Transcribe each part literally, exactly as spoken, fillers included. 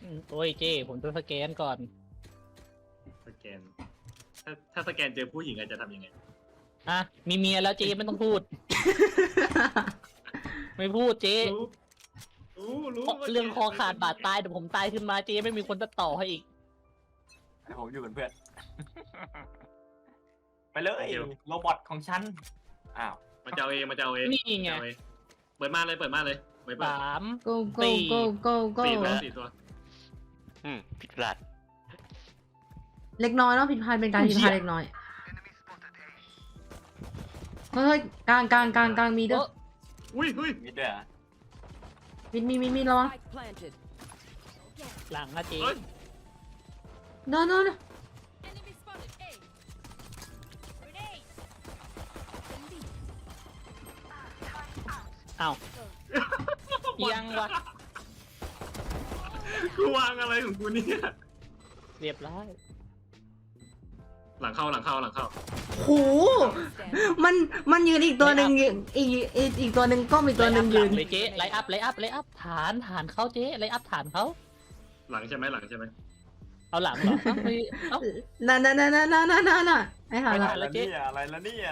โอ้ยเจ้ผมจะสแกนก่อนสแกนถ้าถ้าสแกนเจอผู้หญิงอาจจะทำยังไงอ่ะมีเมียแล้วเจ้ไม่ต้องพูด ไม่พูดเจ้รู้รู้เรื่องคอขาดบาดตายเดี๋ยวผมตายขึ้นมาเจ้ไม่มีคนจะต่อให้อีกให้ผมอยู่เป็นเพื่อนไปเลยโรบอทของฉันอ้าวมันจะเอาเองมันจะเอาเองนี่ไงเปิดมาเลยเปิดมาเลยสาม go go go go go สี่ตัวสี่ตัวอืมผิดพลาดเล็กน้อยเนาะผิดพลาดเป็นการผิดพลาดเล็กน้อยเฮ้ยกลางกลางกลางกลางมีด้วยอุ้ยอุ้ยมีด้วยอ่ะมีมีมีมีระวังหลังนะเจ้โน่นโน่นอ้าวยังวะกูวางอะไรของกูเนี่ยเรียบร้อยหลังเข้าหลังเข้าหลังเข้าโหมันมันยืนอีกตัวหนึ่งอีกอีกอีกตัวหนึ่งก็มีตัวหนึ่งยืนเลยเจ๊ไลอัพไลอัพไลอัพฐานฐานเขาเจ๊ไลอัพฐานเขาหลังใช่ไหมหลังใช่ไหมเอาหลังเหรอเอ้าน่ะน่ะน่ะน่ะน่ะน่ะน่ะน่ะไอ้ห่าละอะไรเนี่ยอะไรละเนี่ย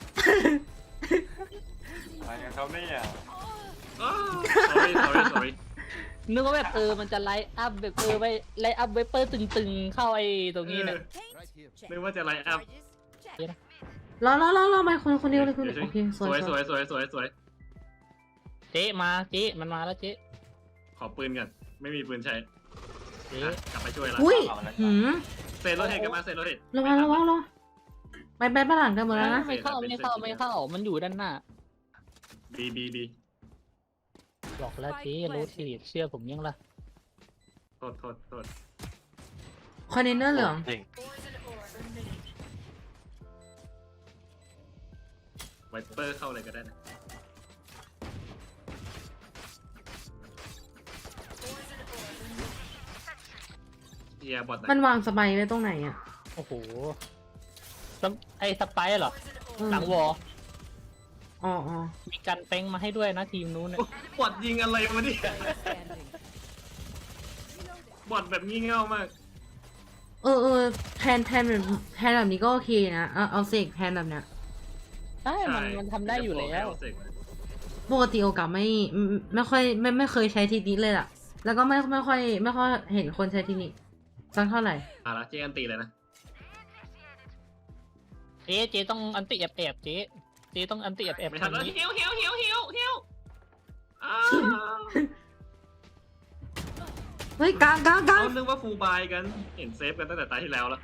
อะไรกันเขาเนี่ย sorry sorry sorry นึกว่าแบบเออมันจะไลอัพแบบเออไว้ไลอัพไวเปอร์ตึงๆเข้าไอ้ตรงนี้เนี่ยนึกว่าจะไลอัพรอรอรอรอไปคนคนเดียวเลยคุณโอเคสวยสวยสวยสวยสวยเจ๊มาเจ๊มันมาแล้วเจ๊ขอปืนกันไม่มีปืนใช้เจ๊กลับไปช่วยแล้วอุ้ยหืมเซนโรเทตกันมาเซนโรเทตระวังระวังระวังไปไปบ้านหลังกันหมดแล้วนะไม่เข้าไม่เข้าไม่เข้ามันอยู่ด้านหน้าบีบีบีบอกแล้วเจ๊รู้ทีเชื่อผมยังล่ะโทษโทษโทษคอนเทนเนอร์เหลืองไวเปอร์เข้าเลยก็ได้นะเฮียบอทมันวางสไปไว้ตรงไหนอ่ะโอ้โหไอ้สไปเหรอหลังวออ๋ออ๋อมีกันเป้งมาให้ด้วยนะทีมนู้นเนี่ยบอทยิงอะไรมาเนี่ยบอทแบบงี่เง่ามากเออเออแทนแทนแบบแทนแบบนี้ก็โอเคนะเอาเอาเสกแทนแบบเนี้ยใช่มันมันทำได้อยู่แล้วปกติโอกาสไม่ไม่ค่อยไม่ไม่เคยใช้ทีนี้เลยล่ะแล้วก็ไม่ไม่ค่อยไม่ค่อยเห็นคนใช้ทีนี้สักเท่าไหร่อ่ะละเจ๊อันตีเลยนะเจ๊เจ๊ต้องอันติแอบแอบเจ๊เจ๊ต้องอันติแอบแอบไม่ทันแล้วเฮียวเฮียวเฮียวเฮียวเฮียวเฮ้ยกลางกลางกลางเขานึกว่าฟูลบายกันเห็นเซฟกันตั้งแต่ตาที่แล้วแล้ว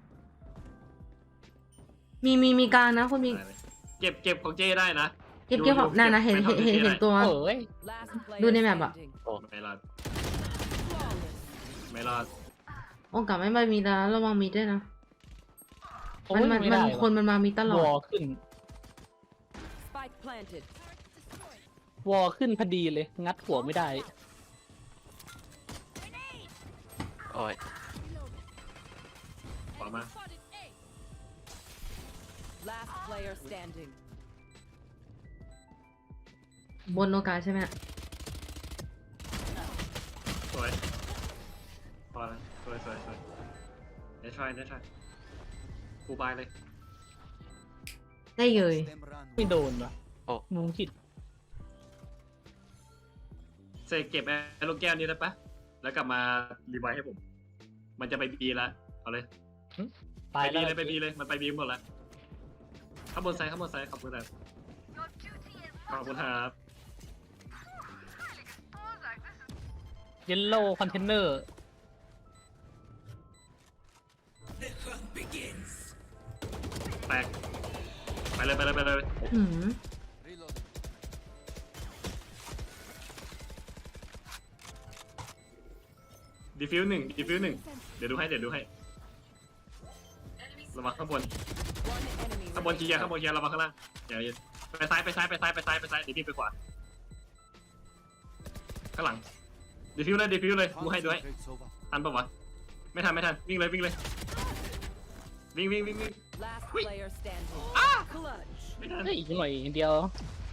มีมีมีกลางนะคุณมีเก็บเก็บของเจ้ได้นะเก็บเก็บของน่านะเห็นเห็นเห็นเห็นตัวดูในแมปอะไม่รอดไม่รอดโอกาสไม่ไปมีนะระวังมีด้วยนะมันมันมันคนมันมามีตลอดวอขึ้นวอขึ้นพอดีเลยงัดหัวไม่ได้โอ้ยขวามาบนโอกาสใช่ไหมสวยพอแล้วสวยสวยสวยเดี๋ยวทรายเดี๋ยวทรายฟูลบายเลยได้เลยไม่โดนวะโอ้มุงคิดเซเก็บไอ้ลูกแก้วนี้ได้ปะแล้วกลับมารีไวท์ให้ผมมันจะไปบีแล้วเอาเลยไปบีเลยไปบีเลยมันไปบีหมดแล้วข้างบนไซด์ข้างบนไซด์ขอบคุณครับขอบคุณครับเยลโล่คอนเทนเนอร์แตกไปเลยไปเลยไปเลยอืมดีฟิวหนึ่งดีฟิวหนึ่งเดี๋ยวดูให้เดี๋ยวดูให้ระวังข้างบนข้างบนเคลียร์ข้างบนเคลียร์ระวังข้างล่างอย่าไปซ้ายไปซ้ายไปซ้ายไปซ้ายไปซ้ายดีฟิวไปขวาข้างหลังดีฟิวเลยดีฟิวเลยดูให้ดูให้ทันปะวะไม่ทันไม่ทันวิ่งเลยวิ่งเลยวิ่งวิ่งวิ่งวิ่งอ้าไม่ทันเฮ้ยหน่อยเดียว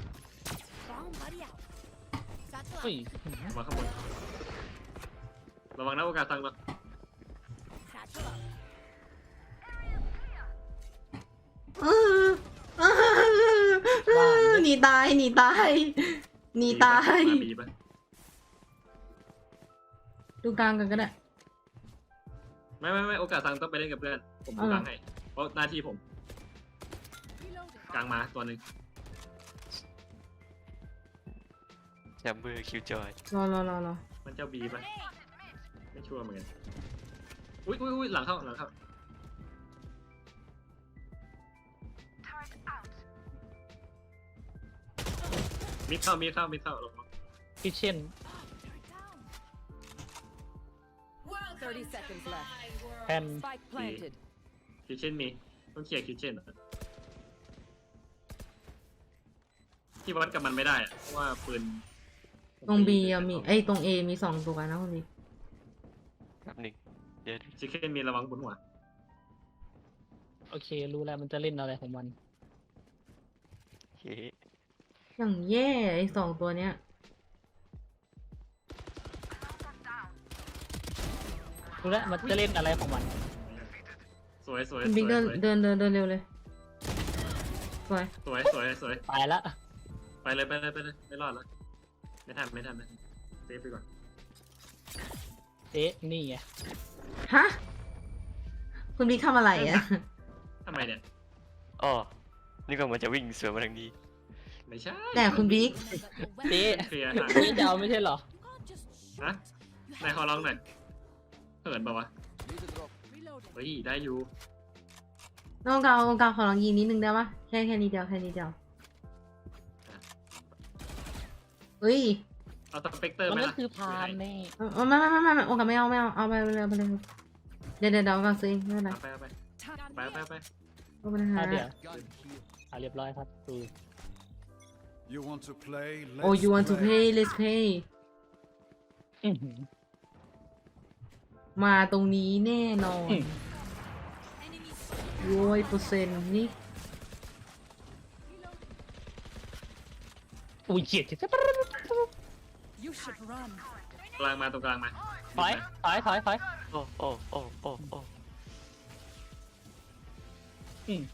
เฮ้ยมาข้างบนระวังนะโอกาสตังค์เราเออเออหนีตายหนีตายหนีตายมาบีปะดูกลางกันก็ได้ไม่ไม่ไม่โอกาสตังค์ต้องไปเล่นกับเพื่อนผมดูเออกลางให้เพราะหน้าที่ผมกลางมาตัวหนึ่งแชมเบอร์คิวจอยรอรอรอรอมันเจ้าบีปะไม่ชัวร์เหมือนกันอุ้ยอุ้ยอุ้ยหลังเข้าหลังเข้ามิดเข้ามิดเข้ามิดเข้าลงมาคิเช่น thirty seconds left. แพน Spike planted. คิเช่นมีต้องเคลียร์คิเช่นที่วัดกับมันไม่ได้อะเพราะว่าปืนตรงบีมีไอ้ยตรงเอมีสองตัวนะคุณบีแป๊บหนึ่งเดี๋ยวชิคเก้นมีระวังบนหัวโอเค รู้แล้วมันจะเล่นอะไรของมันเฮ้อย่างแย่ไอ้สองตัวเนี้ยรู้แล้วมันจะเล่นอะไรของมันสวยสวยคุณสบิ๊กวยเดินสวยเดินเดินเดินเร็วเลยสวยสวยสวยสวยตายละไปเลยไปเลยไปเลยไม่รอดแล้วไม่ทันไม่ทันไม่ทันเซฟไปก่อนเอ๊ะนี่ไงฮะคุณบิ๊กทำอะไรอ่ะทำไมเนี่ยอ๋อนี่ก็มันจะวิ่งสวนมาทางนี้ไม่ใช่แต่คุณบิ๊กเจ๊เคลียร์เจ๊จะเอาไม่ใช่เหรอฮะนายขอร้องหน่อยเหินเปล่าวะเฮ้ยได้อยู่น้องกาวน้องกาวขอลองยิงนิดนึงได้ปะแค่แค่นี้เดียวแค่นี้เดียวเฮ้ยเอาสเปกเตอร์มันไหมก็ล่ะคือพานแน่เออไม่ไม่ไม่ไม่ไม่โอกาสไม่เอาไม่เอาเอาไปเลยเอาไปเลยเดี๋ยวเดี๋ยวเดี๋ยวกาวซื้อไม่เป็นไรเอาไปเอาไปไปไปไปเอาไปเลยฮะอ่ะเดี๋ยวอ่ะเรียบร้อยครับดู You want to play? Let's โอ้ you want to play. pay let's pay อื้อหือมาตรงนี้แน่นอนอืมโว้ยเปอร์เซ็นต์นี่อุ้ยเฉียดเฉียด You should run. กลางมาตรงกลางมาถอยถอยถอยถอยโอ้โอ้โอ้โอ้โอ้อืม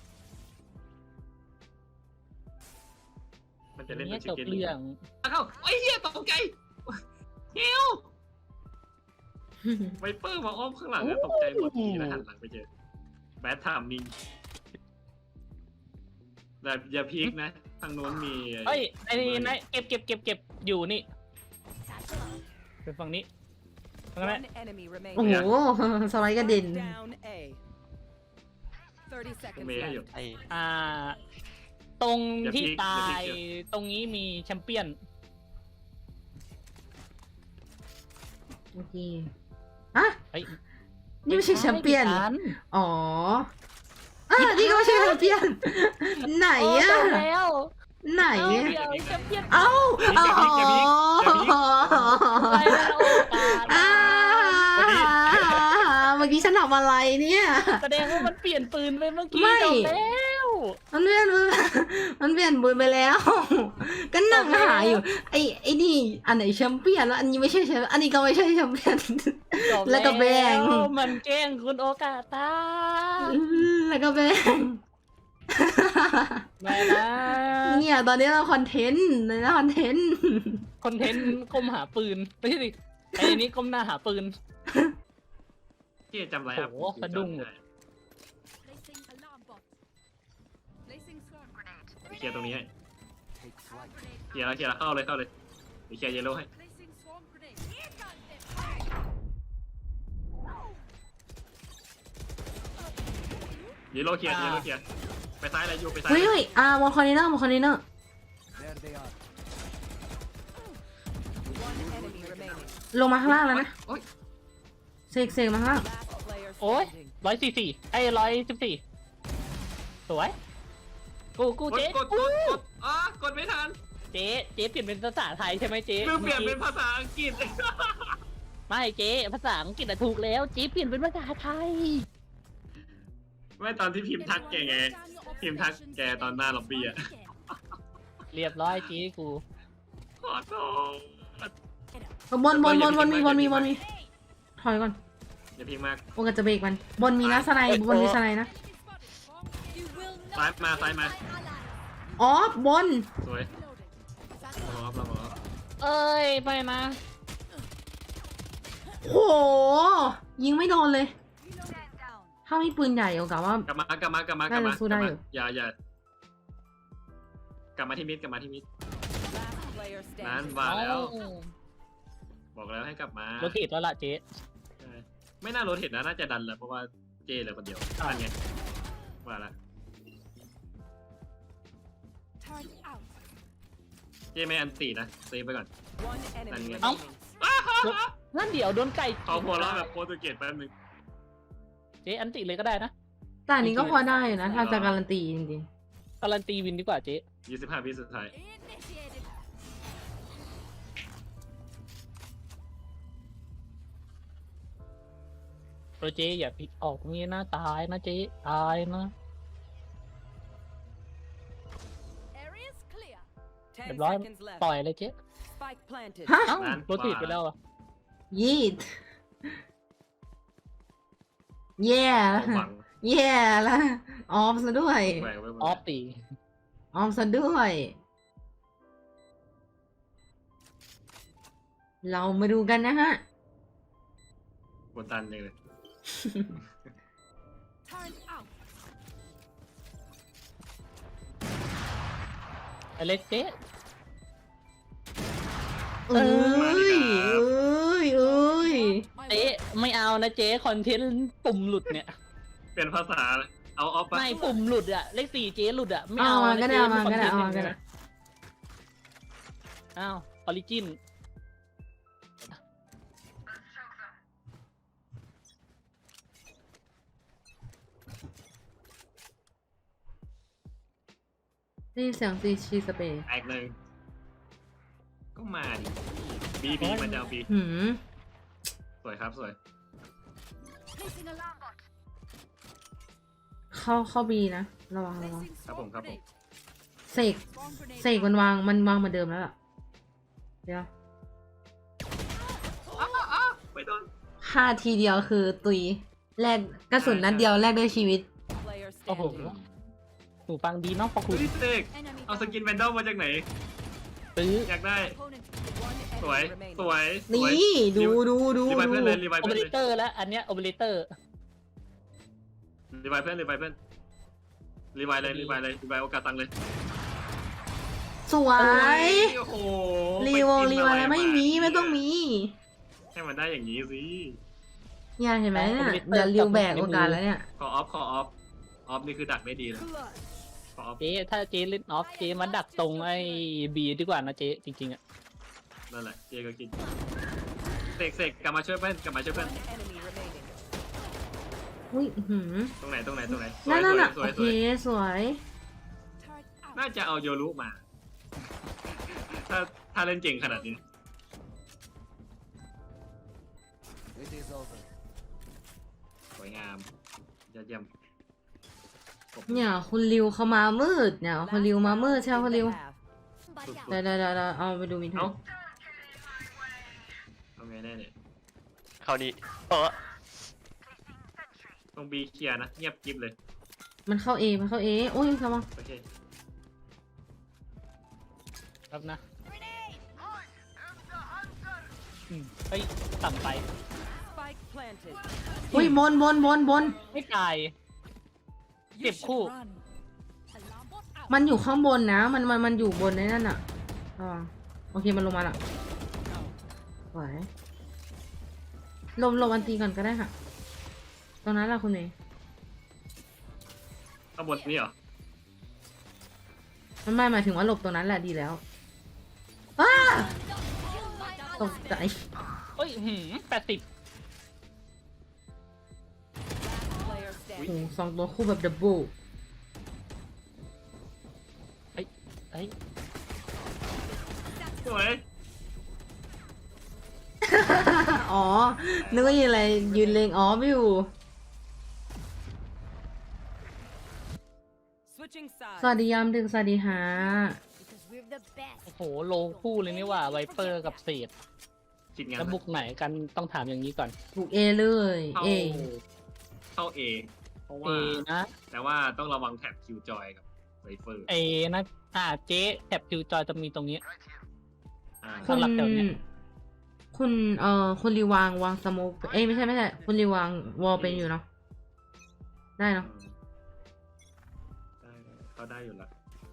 มันจะเล่นเนี่ตัยว จชิคบเก้นเรื่องเข้าไอ้เหี้ยตกใจเฮียวไวเปอร์มาอ้อมข้างหลังอะตกใจหมดทีแล้วหันหลังไปเจอแบทไทม์มิงแต่อย่าพีคนะทางโน้นมีเฮ้ยไอ้นี่นะเก็บเก็บเก็บเก็บอยู่นี่เป็นฝั่งนี้ตรงนั้นแหละ One enemy โอ้โห remaining. สไลด์กระเด็น Down A. Thirty ตรง seconds เมย์ให้อยู่ left. ไออ่า ตรงที่อย่าพลิกตาอย่าพลิยกเชียวตรงนี้มีแชมเปี้ยนโอเคอะเฮ้ยนี่ไม่ใช่แชมเปี้ยนไม่ใช่อ๋ออ่ะนี่ก็ไม่ใช่แชมเปี้ยน ไหนโอ้อะจบแล้วไหนเอาอะเดี๋ยวแชมเปี้ยนเอ้าอย่าพลิกอย่าพลิกอย่าพลิกไปแล้วโอกาสอ่าเมื่อกี้ฉันทำอะไรเนี่ยแสดงว่ามันเปลี่ยนปืนไปเมื่อกี้ไม่จบแล้วมันเปลี่ยนมันเปลี่ยนปืนไปแล้ว ก็นั่งหาอยู่ ไอ้ไอ้นี่อันไหนแชมเปี้ยนแล้วอันนี้ไม่ใช่แชมป์อันนี้ก็ไม่ใช่แชมเปี้ยนจบแล้วก็แบ่งมันแกล้งคุณโอกาสตาแล้วก็แบ่งไม่นะเนี่ยตอนนี้เราคอนเทนต์นะคอนเทนต์คอนเทนต์ก้มหาปืนไม่ใช่ดิไอ้นี้ก้มหน้าหาปืนที่จำไรอ่ะโอ้โหสะดุ้ง Placing alarm bot. Placing swarm grenade. เคลียร์ตรงนี้ให้เคลียร์แล้วเคลียร์แล้วเข้าเลยเข้าเลยเดี๋ยวเคลียร์เยลโล่ให้ Placing swarm grenade. Here comes them. เยลโล่เคลียร์เยลโล่เคลียร์ไปซ้ายเลยยูไปซ้ายเฮ้ยเฮ้ยอ่ามอนคอนเทนเนอร์มอนคอนเทนเนอร์ There they are. One enemy remaining. ลงมาข้างล่างแล้วนะโอ๊ยเสกเสกมาข้างล่าง Last player โอ้ย standing. ร้อยสี่สี่ไอ้ร้อยสิบสี่สวย กูกูกดเจ๊กดกดกดอ่ะกดไม่ทันเจ๊เจ๊เปลี่ยนเป็นภาษาไทยใช่ไหมเจ๊ลืมเปลี่ยนเป็นภาษาอังกฤษไม่เจ๊ภาษาอังกฤษอะถูกแล้วเจ๊เปลี่ยนเป็นภาษาไทยไม่ตอนที่พิมพ์ทักแกไง พิมพ์ทักแกตอนหน้าล็อบบี้อะเรียบร้อยเจ๊กูขอโทษบนบนบนบนมีบนมีบนมีถอยก่อนอย่าพิงมากโอกาสจะเบรกมัน บนมีนะสไนด์บนมีสไนด์นะ You will ซ้าย not มาซ้ายมาอ๋อ บนสวย reloading. เรามองเรามองเอ้ยไปนะโห ยิงไม่โดนเลย Reloading down. ถ้ามีปืนใหญ่โอกาสว่ากลับมากลับมากลับมากลับมาน่าจะสู้ได้กลับอยู่มาอย่าอย่ากลับมาที่มิดกลับมาที่มิด Last player นั้น standing. ว่าแล้วเอ้าบอกแล้วให้กลับมาโรเทตแล้วล่ะเจ๊ใช่ไม่น่าโรเทตนะน่าจะดันแหละเพราะว่าเจเหลือคนเดียวอ่านั่นไงว่าละ Turn out. เจไม่อันตีนะเซฟไปก่อน One enemy Áo. remaining. นั่นเดี๋ยวโดนไก่เขาหัวเราะแบบโปรตุเกสแป๊บนึงเจ๊อันติเลยก็ได้นะแต่อันนี้ก็พอได้อยู่นะ ถ้าจะการันตีจริงการันตีวินดีกว่าเจ๊ยี่สิบห้าวิสุดท้าย Initiated. โรเจ๊อย่าพิดออกตรงนี้นะตายนะเจ๊ตายนะ Area's clear. เรีย Ten บร้อย seconds left. ปล่อยเลยเจ๊ Spike planted. ๆ ฮะเอ้านั่นโรเทตไปแล้วอะยีดแย่ความหวังแย่ละออมซะด้วยแหวกไว้หมดออฟตีออมซะด้วย เรามาดูกันนะฮะบนตันยังเลย Turn out. ไอเล็กเจ๊เอ้ยเอ้ยเอ้ยเจ๊ไม่เอานะเจ๊คอนเทนต์ปุ่มหลุดเนี่ยเปลี่ยนภาษาเลยเอาออฟปะไม่ปุ่มหลุดอะเลขสี่เจ๊หลุดอะไม่เอาเอามานะก็ได้เจ๊เอามาคอนก็เทได้นต์เอาอมาย่างก็เงี้ได้ยอ้าวออริจินนี่เสียงซีชีสเปรย์แตกหนึ่งก็มาดิบีบีมันจะเอาบีหืมสวยครับสวย Placing alarm bot. เข้าเข้าบีนะ ระวังระวัง Placing ครับผม swarm ครับผม grenade. เสก Swarm grenade เสกมันวาง มันวางเหมือนเดิมแล้วล่ะ เดี๋ยวไม่โดนฆ่าทีเดียวคือตุย แลกกระสุนนัดเดียวแลกด้วยชีวิต Player โอ้โห standing. หนูฟังดีเนาะพอคุณเฮ้ยเสก Enemy เอาสกินแวนดอลมาจากไหนซื้ออยากได้ opponent. One สวย enemy remaining. สวยสวยนี่ ดูดูดูรีไวดูเพื่อนเลยรีไวโอเปเพื่อนอเรเลยเตอร์แล้ว อันเนี้ยโอเปอเรเตอร์รีไวเพื่อนรีไวเพื่อนรีไวเลยรีไวเลยรีไวโอกาสตังเลยสวยโอ้โหรีวงรีวอะไรไม่มีไม่ต้องมีให้มันได้อย่างนี้สิเนี่ยเห็นไหมเนี่ยเดี๋ยวริวแบกโอกาสแล้วเนี่ยขอออฟขอออฟออฟนี่คือดักได้ดีเลย Clutch. ขอออฟเจ๊ถ้าเจ๊เล่นออฟเจ๊มาดักตรงไอ้บีดีกว่านะเจ๊จริงๆอะนั่นแหละเจก็กินเสกเสกกลับมาช่วยเพื่อนกลับมาช่วยเพื่อน One enemy remaining. อุ้ยอื้อหือตรงไหนตรงไหนตรงไหนสวนั่ยนสนั่นวยอ่ะสโอวยเคสวยสวย Turn out. น่าจะเอาโยรุมา ถ้าถ้าเล่นเก่งขนาดนี้ It is over. สวยงามยอดเยี่ยมเนี่ยคุณริวเขามามืดเนี่ยคุณริวมามืดใช่ไหมคุณริว In the half. เดี๋ยวเดี๋ยวเดี๋ยวเดี๋ยวเอาไปดูมินเทเอ้าน เอาไงแน่เนี่ยเข้านี้เออตรงบีเคลียร์นะเงียบกริบเลยมันเข้าเอมันเข้าเอโอ้ยระวังโอเคครับนะอืมเฮ้ยต่ำไป Spike planted. อุ้ยบนบนบนบนไม่ตาย You Tiếp should khu. run. Alarm bot out. มันอยู่ข้างบนนะ มันมันมันอยู่บนในนั่นอ่ะระวังโอเคมันลงมาละไหวลมลมอันตีก่อนก็ได้ค่ะ ตรงนั้นแหละคุณเมย์ข้างบนนี่เหรอมันไม่หมายถึงว่าหลบตรงนั้นแหละดีแล้วอ้าตกใจเฮ้ยหืมแปดสิบ Player โอ้โห standing. สองตัวคู่แบบดับเบิลเฮ้ยสวยอ๋อ นึกว่ายืนอะไรยืนเลงอ๋อไม่อยู่ Switching sides. สวัสดียามดึกสวัสดีฮะ Because we're the best. โอ้โห โลคู่เลยนี่หว่าไวเปอร์กับเศษคิดงั้นแล้วบุกไหนกันต้องถามอย่างนี้ก่อนบุกเอเลยเข้าเอเข้าเอเพราะเอว่านะแต่ว่าต้องระวังแท็บคิวจอยกับไวเฟอร์เอนะอ่าเจ๊แท็บคิวจอยจะมีตรงนี้อ่าคุณสำหรับแถวเนี้ยคุณเอ่อคุณรีวางวางสโมกเอ้ยไม่ใช่ไม่ใช่คุณรีวางวอลเป็นอยู่เนาะได้เนาะได้เขาได้อยู่แล้ว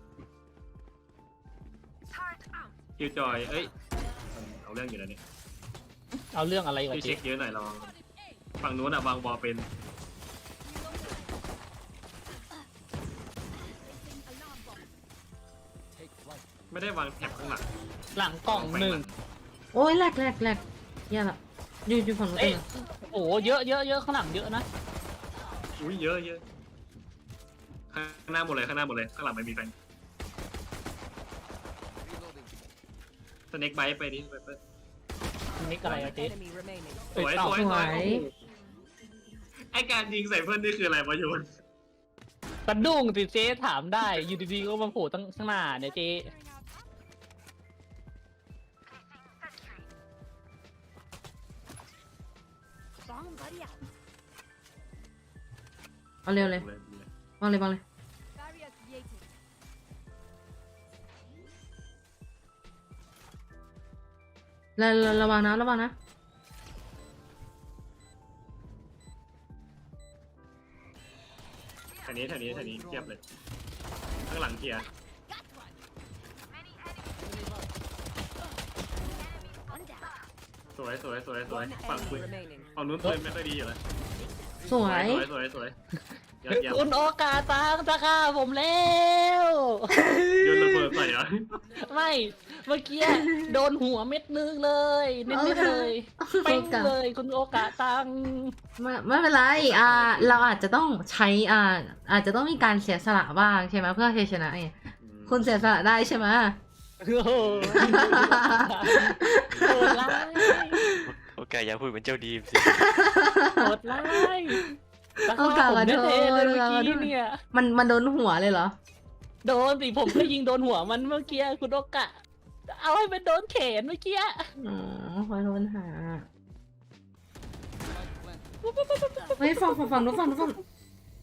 คิวจอยเอ้ยมันเอาเรื่องอยู่แล้วเนี่ยเอาเรื่องอะไรวะพี่เจ๊เช็คเยอะหน่อยลองฝั่งนู้นอะวางบอลเป็น Take flight. ไม่ได้วางแท็บข้างหลังหลังกล่องหนึ่งโอ้ยแหลกแหลกแหลกแย่ละอยู่อยู่ฝั่งนู้นเอ้ยเองโอ้เยอะเยอะเยอะข้างหลังเยอะนะอุ้ยเยอะเยอะข้างหน้าหมดเลยข้างหน้าหมดเลยข้างหลังไม่มีแฟน Reloading. สเน็กไบต์ไปดิไปไปนี่อะไรอะเจ๊ Enemy remaining. สวยเอ้ยสวยสสววยยโอ้โหไอการยิงใส่เพื่อนนี่คืออะไรประโยชน์สะดุ้งสิเจ๊ถามได้อยู่ดีๆก็มาโผล่ตั้งข้างหน้าเนี่ยเจ๊เอาเร็วเลยวางเลยวางเลย Barrier created. ระระระวังนะระวังนะแถวนี้แถวนี้แถวนี้เทียบเลย ข้างหลังเคลียร์สวยสวยสวยสวย One ฝั่งปื enemy น remaining. ฝั่งนู้นปืนไม่ค่อยดีอยู่แล้วสวยสวยสวยสวยยอดเยี่ยมคุณโอกาสตังจะฆ่าผมแล้วโยนระเบิดใส่เหรอไม่เมื่อกี้โดนหัวเม็ดนึงเลยนิดๆเลยเป้งเลยคุณโอกาสตังไม่ไม่เป็นไรอ่าเราอาจจะต้องใช้อ่าอาจจะต้องมีการเสียสละบ้างใช่ไหมเพื่อชัยชนะไงคุณเสียสละได้ใช่ไหมโอ้โหโหดร้ายโอเคอย่าพูดเหมือนเจ้าดีมสิโหดร้ายตะฆ่าผมแท้ๆเลยเมื่อกี้เนี่ยมันมันโดนหัวเลยเหรอโดนสิผมก็ยิงโดนหัวมันเมื่อกี้คุณโอกะเอาให้มันโดนแขนเมื่อกี้อ๋อขอโทษหา Flight planted. เฮ้ยฝั่งฝั่งฝั่งนู้นฝั่งนู้นฝั่ง Enemy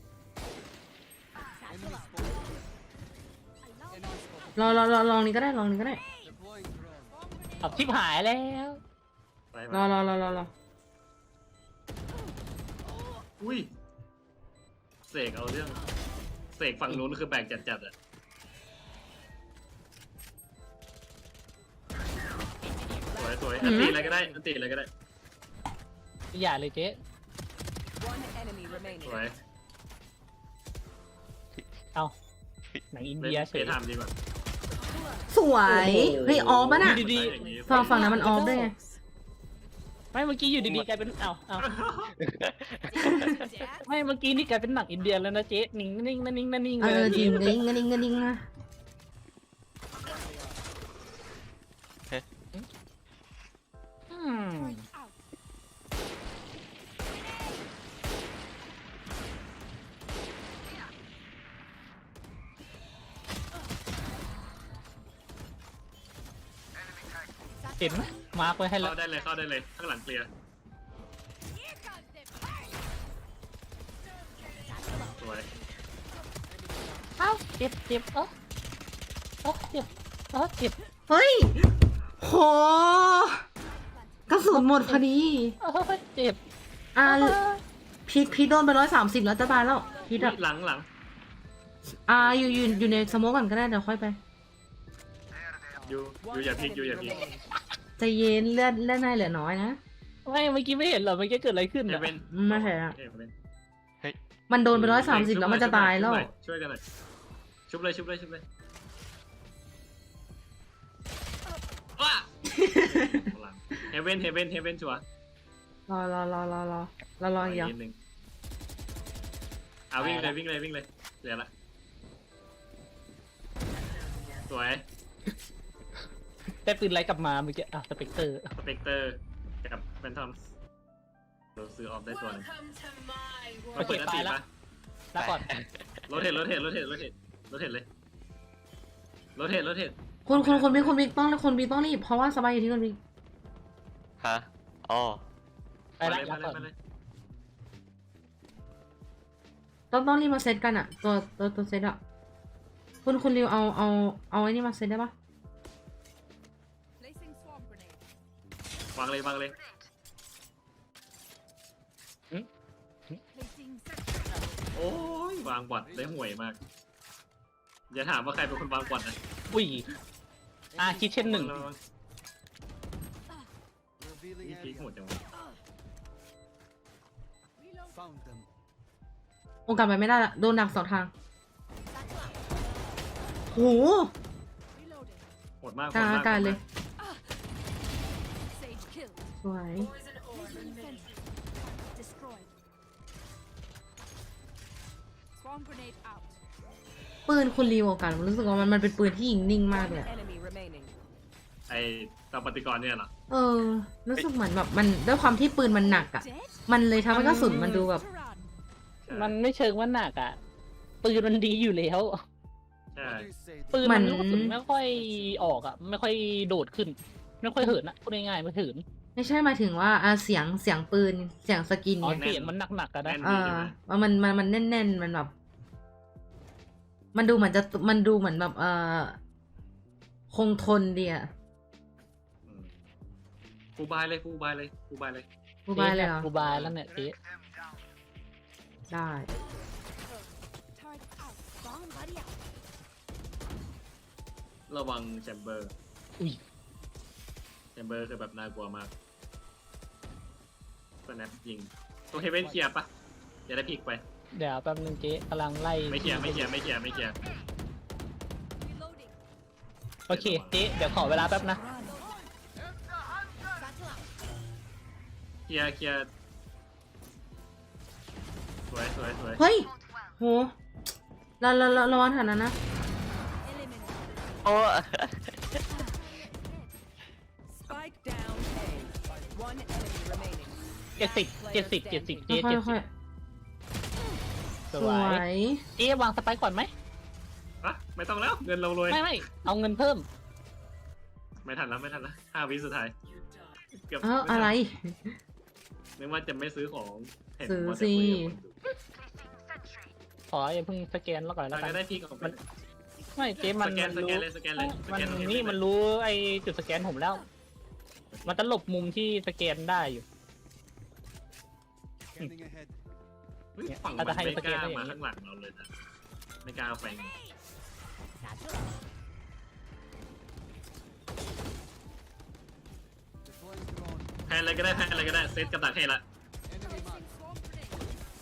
spotted. Enemy spotted. รอรอรอลองนี้ก็ได้ลองนี้ก็ได้ Deploying drone. ขับทิพหายแล้วไปรมาอรอรอรอรออุ้ยเสกเอาเรื่องเสกฝั่งนู้นคือแบกจัดๆอะสวยสวยอันตีอะไรก็ได้อันตีอะไรก็ได้อย่าเลยเจ๊ One enemy ส remaining. วยเอาหนังอินเล่เดียนเฉเฟยซไทม์ดีกว่าสวยเฮ้ยออฟมันอ่ะดีได้อย่างนี้ฝั่งฝั่งนั้นมันออฟด้วยไงไม่เมื่อกี้อยู่ดีๆกลายเป็นเอาเอาไม่เมื่อกี้นี่กลายเป็นหนังอินเดียแล้วนะเจ๊นิ่งนิ่งนิ่งนิ่งนิ่งเอเลอย จริงเงินเงินเงินเงินนะอืมเห็นไหมมาร์กไว้ให้แล้วเข้าได้เลยเข้าได้เลยข้างหลังเคลียร์สวยเอ้าเจ็บเจ็บเอ้าเอ้าเจ็บเอ้าเจ็บเฮ้ยโหกระสุนหมดพอดีเอ้าเจ็บอ่าพีทพีทโดนไปร้อยสามสิบแล้วจะตายแล้วพีทอุ๊อ่ะยหลังหลังอ่าอยู่อยู่อยู่ในสโมกก่อนก็ได้เดี๋ยวค่อยไปอยู่อยู่อย่าพลิกอยู่อย่าพลิกใจเย็นเลือดเลือดนายเหลือน้อยนะไม่เมื่อกี้ไม่เห็นเหรอเมื่อกี้เกิดอะไรขึ้นเฮอะเว่นไม่ใช่อะเฮเว่นมันโดนไปร้อยสามสิบแล้วมันจะตายแล้วช่วยกันหน่อยชุบเลยชุบเลยชุบเลยว้าเฮเว่นเฮเว่นเฮเว่นชัวร์รอรอรอรอรอรอรออีกนิดนึงเอาวิ่งเลยวิ่งเลยวิ่งเลยเหลือละสวยได้ปืนไรกลับมาเมื่อกี้อ่ะสเปกเตอร์สเปกเตอร์กับแฟนทอมเราซื้อออฟได้ตัวหนึงมาเปิดอันตีปะแล้วก่อนรถเห็นรถเห็นรถเห็นรถเห็นรถเห็นเลยรถเห็นรถเห็นคุณคุณคุณบิ๊กคุณบิ๊กต้องคุณบิ๊กต้องรีบเพราะว่าสบายอยู่ที่คุณบิ๊กฮะอ๋อไปละมารับเลยก่อนมาเลยต้องต้องรีบมาเซตกันอะตัวตัวตัวเซตอะคุณคุณริวเอาเอาเอาไอ้นี่มาเซตได้ปะ Placing swarm grenade. วางเลยวางเลย Placing โอ้ยวางบอดได้ห่วยมาก อย่าถามว่าใครเป็นคนวางบอดนะอุ้ยอ่ะคิดเช่นหนึ่งระวัง Revealing นี่พีค area. หมดจังวะ reload. Found them. โอกาสไปไม่ได้ละโดนดักสองทางโห Reloading. โหดมากกลางโหดมอากาศเลย Sage killed. สวย Placing sentry. Destroyed. Swarm grenade out. ปืนคุณริวโอกาสผมรู้สึกว่ามันมันเป็นปืนที่ยิงนิ่งมากเลยอะ Enemy remaining. ไอ้ตาปฏิกรณ์เนี่ยเหรอเออ รู้สึกเหมือนแบบมันด้วยความที่ปืนมันหนักอะ Dead? มันเลยทำให้กระสุนมันดูแบบ To run. ใช่มันไม่เชิงว่าหนักอ่ะ ปืนมันดีอยู่แล้วใช่ What do you say? ปืนมัมัน นลูกกระสุนไม่ค่อยออกอ่ะ ไม่ค่อยโดดขึ้น ไม่ค่อยเหินอ่ะพูดง่ายๆไม่เหินไม่ใช่หมายถึงว่าอ่ะเสียงเสียงปืนเสียงสกินอ๋อเนี่ยเสียงมันหนักๆกันนะแน่นเอดีอใช่ไหมว่ามันมันมันแน่นๆมันแบบ มันดูเหมือนจะมันดูเหมือนแบบเออคงทนดีอะอืมฟูบายเลยฟูบายเลยฟูบายเลยกูบายเลยเหรอกูบายแล้วเนี่ยเจ๊ได้ Turret out. Bomb buddy out. ระวังแชมเบอร์อุ้ยแชมเบอร์คือแบบน่ากลัวมากสแนปยิงตัวเฮเว่นเคลียร์ปะจะได้พลิกไปเดี๋ยวแป๊บนึงเจ๊กำลังไล่ไม่เคลียร์ไม่เคลียร์ไม่เคลียร์ไม่เคลียร์ Reloading. โอเคเจ๊เดี๋ยวขอเวลาแป๊บนะ Run. Battle out. เคลียร์เคลียร์สวยสวยสวยเฮ้ยโหเราเราเราระวังฐานนั้นนะ Eliminate. โอ้ Spike down A. One enemy remaining. เจ็ดสิบเจ็ดสิบเจ็ดสิบเจ๊ค่เจ็อดยๆสิค่อยบๆสสววย ยเจ๊วางสไปค์ก่อนไหมอะไม่ต้องแล้วเงินเรารวยไม่ไม่เอาเงินเพิ่มไม่ทันแล้วไม่ทันแล้วห้าวิสุดท้ายเกือบเอ้าม่ทันอะไรนึกว่าจะไม่ซื้อของเห็นซื้อว่าจะสิคุยกับคนดูขออย่าเพิ่งสแกนแล้วก่อนแล้วเรากัจะนได้พี่ของมัน ไม่เจ๊มันสแกนมันสแกรู้นเลยสแกนเลยสมัแกนตรงนี่เลยมันรู้ไอ้จุดสแกนผมแล้ว มันจะหลบมุมที่สแกนได้อยู่ Scanning ahead. เฮ้ยฝั่งมันอาจจะให้ไม่สกแกนล้าได้อย่างมานี้ข้างหลังเราเลยนะไม่กล้าเอาไป Deploying drone. แพนอะไรก็ได้แพนอะไรก็ได้เซตกับดักให้ละ Enemy mark. Swarm grenade.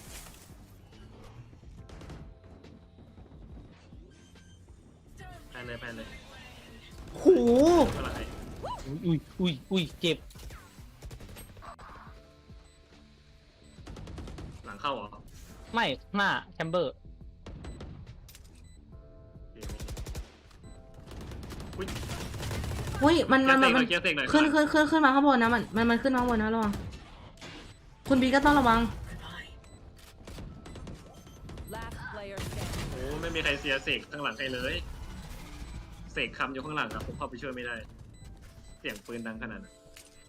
แพนเลยแพนเลยโหเท่าไหร่อุ้ยอุ้ยอุ้ยเจ็บหลังเข้าเหรอไม่หน้าแชมเบอร์โอเคอุ้ยอุ้ยมันเคลีมัยนร์เสมันกหน่อยเคลียร์เสกหน่อยขึ้นขึ้นขึ้นขึ้นมาข้างบนนะมันมันมันขึ้นมาข้างบนนะระวังคุณบีก็ต้องระวัง Last player standing. โอ้ไม่มีใครเสียเสกข้างหลังใครเลยเสกคำอยู่ข้างหลังครับผมเข้าไปช่วยไม่ได้ เสียงปืนดังขนาดนั้น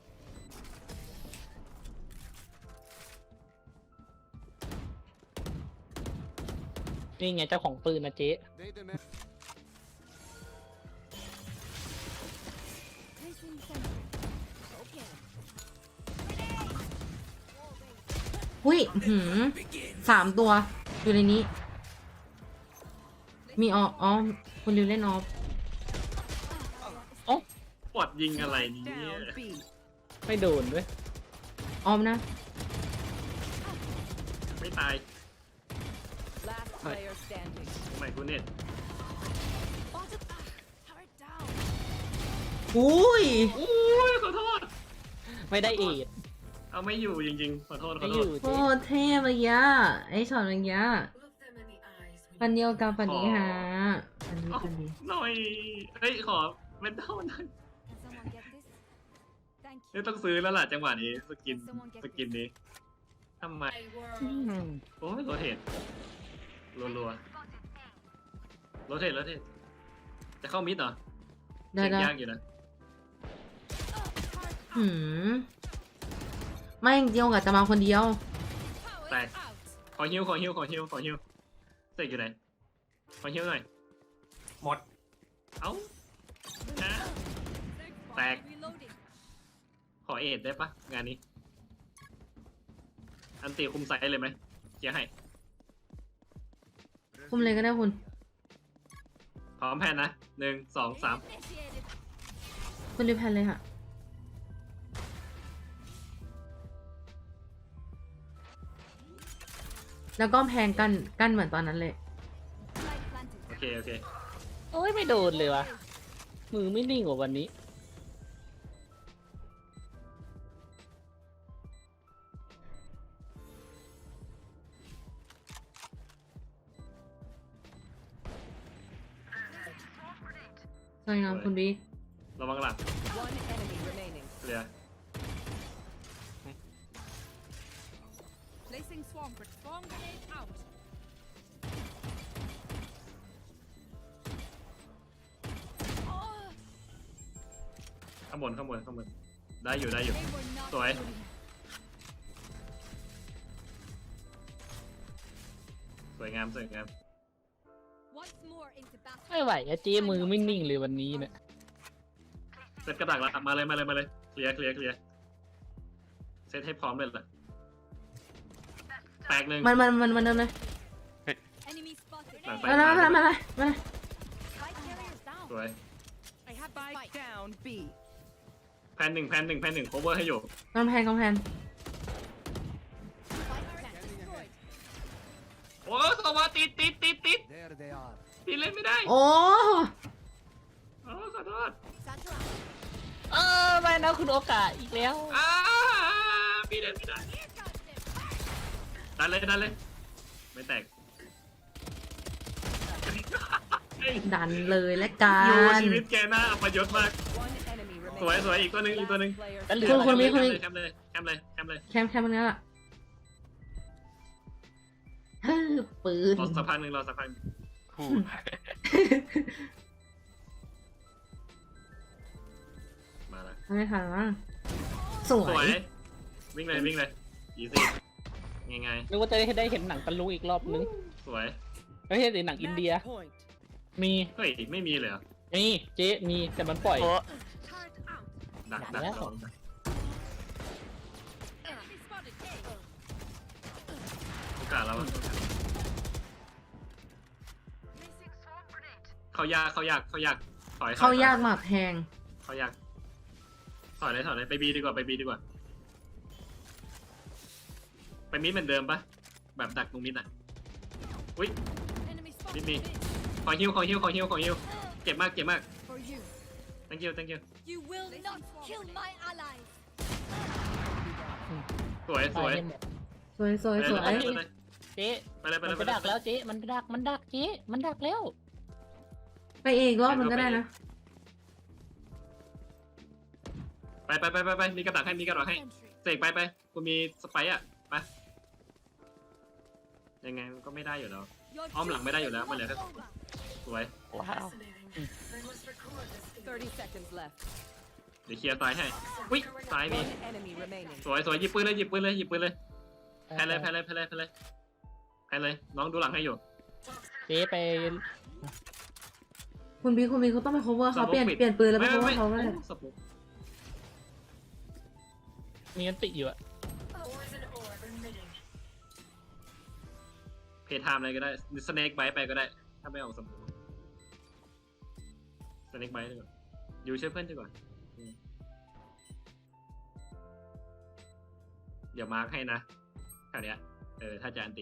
นี่ไงเจ้าของปืนนะเจ๊ They demand. Placing sentry. Okay. อุ้ยอื้อหืมสามตัว อยู่ในนี้ มีอออ๋อคุณริวเล่นออฟปอดยิงอะไรเนี่ย Down B. ไม่โดนด้วยออฟนะไม่ตาย Last player standing. ทำไมกูเน็ต Bottom. Ah, turret down. อุ้ยอุ้ยขอโทษไม่ได้เอดเอาไม่อยู่จริงๆขอโทษขไม่ออโทษยู่โคเจ๊ตรเท่เมื่อกี้ไอ้ช็อตเมื่อกี้ปันเดียวกับปันนี้ฮะปันนี้เอ้าปันนี้หน่อยเฮ้ยขอเป็นเท่านั้น Can someone get this? Thank นี่ you. ต้องซื้อแล้วล่ะจังหวะนี้สกินสกินนี้ทำไมอืมโอ้ยโรเทตรัวๆโรเทตโรเทตจะเข้ามิดเหรอได้เช็คได้ยากอยู่นะฮหืมไม่จริงๆโอกาสจะมาคนเดียวแตกขอฮิวขอฮิวขอฮิวขอฮิวเสกอยู่ไหนขอฮิวหน่อยหมดเอ้านะแตกขอเอ็ดได้ปะงานนี้ อันตีคุมไซส์เลยไหมเคลียร์ให้คุมเลยก็ได้คุณพร้อมแพนนะหนึ่งสองสามคุณรีบแพนเลยค่ะ แล้วก็แพงกันกันเหมือนตอนนั้นเลยโอเคโอเคโอ้ยไม่โดนเลยวะมือไม่นิ่งกว่าวันนี้สวยงามคุณบีระวังหลัง One enemy remaining. เคลียร์ Placing swarm grenade. Swarm grenade out. ข้างบนข้างบนข้างบนได้อยู่ได้อยู่ They were not สวย ready. สวยงามสวยงาม Once more into battle. ไม่ไหวอะเจ๊มือไม่นิ่งเลยวันนี้เนี่ยเซตกระดักแล้วมาเลยมาเลยมาเลยเคลียร์เคลียร์เคลียร์เซตให้พร้อมเลยล่ะแตกหนึ่งมันมันมันมันเดินเลย Enemy spotted. หลังไปมาเลยมาเลยมาเลยมาเลย Spike carriers down. สวย I have the spike. Down B. แพนหนึ่งแพนหนึ่งแพนหนึ่ง cover ให้อยู่กำแพงกำแพง Spike plant destroyed. โอ้สวัสดีติดติดติด There they are. ติดเล่นไม่ได้โอ้โอ้ขอโทษ Satchel out. เออไม่นะคุณโอกาสอีกแล้วอ้าพี่เล่นไม่ได้ Here comes them. ดันเลยดันเลยไม่แตกดันเลยและกัอยู่นชีวิตแกหน้าอัปยศมาก One enemy remaining. สวยสวยอีกตัวหนึ่งอีกตัวหนึ่ง Player แล้วเหลือคุณคุณมีคุณมีแคมเลยแคมเลยแคมเลยแคมแคมมันนี้แหละเฮ้ยปืนรอสักพักหนึ่งรอสักพักหนึ่งฮู้มาละไม่ทันมั้งสวสวยยวิ่งเลยวิ่งเลยอีซี่ง่ายนึกว่าจะได้ได้เห็นหนังตะลุงอีกรอบนึงๆสวยไม่ใช่หนังอินเดีย Match point. มีเฮ้ยไม่มีเลยเหรอมีเจ๊มีแต่มันปล่อยโอ้ turret out. ดักดัดักกแล้วลอง Enemy spotted. A. โอกาสเราอะเขายากเขายากเขายากถอยถอเขายากมากแพงเขายากถอยเลยถอยเลยไปบีดีกว่าไปบีดีกว่า ไปมิดเหมือนเดิมปะแบบดักตรงมิดอ่ะอุ้ย Enemy spotted. Hit me. Mid. ขอฮิวขอฮิวขอฮิวขอฮิวเจ็บมากเจ็บมาก For you. thank you thank you You will not kill my allies. สวยสวยตาให้หมดสวยสวยสวยไปเลยเจ๊ไปเลยไปมันเลยไปดักแล้วเจ๊มันดักมันดักเจ๊มันดักแล้วไปเองรอบมันก็ได้นะไปไปไปไปไปมีกระดักให้มีกระดักให้ Entry. เสกไปไปกูมีสไปร์อ่ะไปยังไงมันก็ไม่ได้อยู่แล้ว Your Om lang, may dayo lang, duty is mali. over. สวยว้าว Thirty seconds left. เดี๋ยวเคลียร์ซ้ายให้อุ้ยซ้ายมี One enemy remaining. สวยสวยหยิบปืนเลยหยิบปืนเลยหยิบปืนเลยแพ้เลยแพ้เลยแพ้เลยแพ้เลยแพ้เลยน้องดูหลังให้อยู่เจ๊ไปคุณบีคุณบีเขาต้องไป cover เขาสมมุติเปลี่ยนปิดเปลี่ยนปืนแล้วไปไม่ cover ไม่เขาก็ไม่ได้สปุกมีอันติอยู่อะเพย์ไทม์อะไรก็ได้สเน็กไบต์ไปก็ได้ถ้าไม่ออกสปุกสเน็กไบต์ดีกว่าอยู่ช่วยเพื่อนดีกว่าอืมเดี๋ยวมาร์คให้นะแถวเนี้ยเออถ้าจะอันติ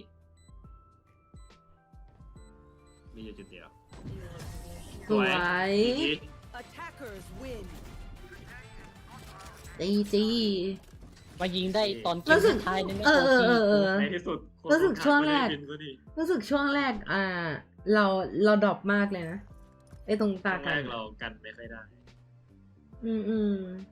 มีอยู่จุดเดียวสวยจี Attackers win. จีจีมายิงได้ตอนเกรู้มสึกสุดท้ายนี่ไม่เออโอเออทีเออเออในที่สุดคนรู้สึกช่วงแรกไม่ได้บินสัทีรู้สึกช่วงแรก อ่า เราเราดรอปมากเลยนะไอตรงช่ตาวงกัแรนกเรากันไม่ค่อยได้อืมอืม